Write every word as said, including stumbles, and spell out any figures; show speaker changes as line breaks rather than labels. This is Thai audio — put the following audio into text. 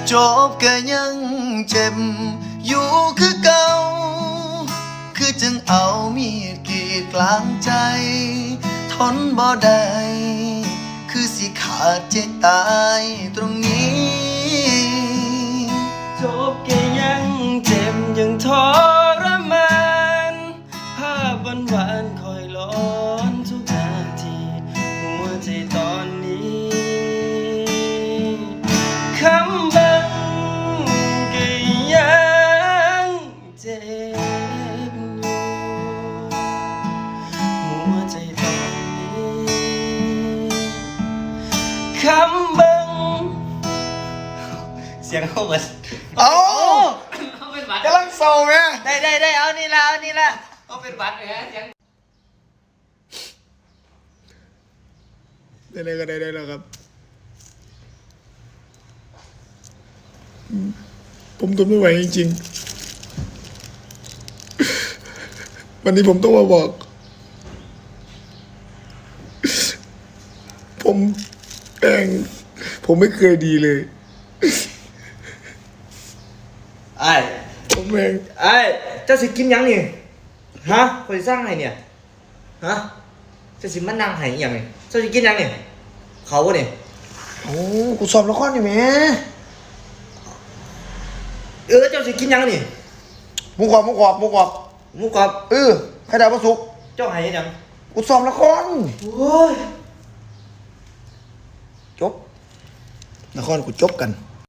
จบก็ยังเจ็บอยู่คือเก่าคือจึงเอามีดกรีดกลางใจทนบ่ได้คือสิขาดใจตายตรงนี้
จบก็ยังเจ็บยังทรมานภาพวันวานคอยร้อนทุกนาทีหัวใจตอนนี้คำบังก็ยังเจ็บอยู่หัวใจตอนนี้คำบังเสียงเข้ามา
เอา
เขาเป็นหวัด
กำลังเศร้าไหม
ได้ได้ได้เอานี่ละเอานี่ละเขาเป็นหวัดเลยฮะเสียง
ได้เลยก็ได้ได้แล้วครับผมทนไม่ไหวจริงๆวันนี้ผมต้องมาบอกผมแปลงผมไม่เคยดีเลย
ไอ้
ผมเอง
ไอ้เจ้าสิกินยังนี่ฮะคอยสร้างไงเนี่ยฮะเจ้าสิมันนั่งไห้ยังไงเจ้าสิกินยังนี่เขาวะเนี่ย
โอ้กูสอบละครอยู่แหม
เออเจ้าสิกินยังนี่
หมูกรอบหมูกรอบหมูกรอบ
หมูกรอบ
เออไข่ดาวปลาสุก
เจ้าไห้ยัง
กูสอบละคร
โอ้ย
จบละครกูจบกัน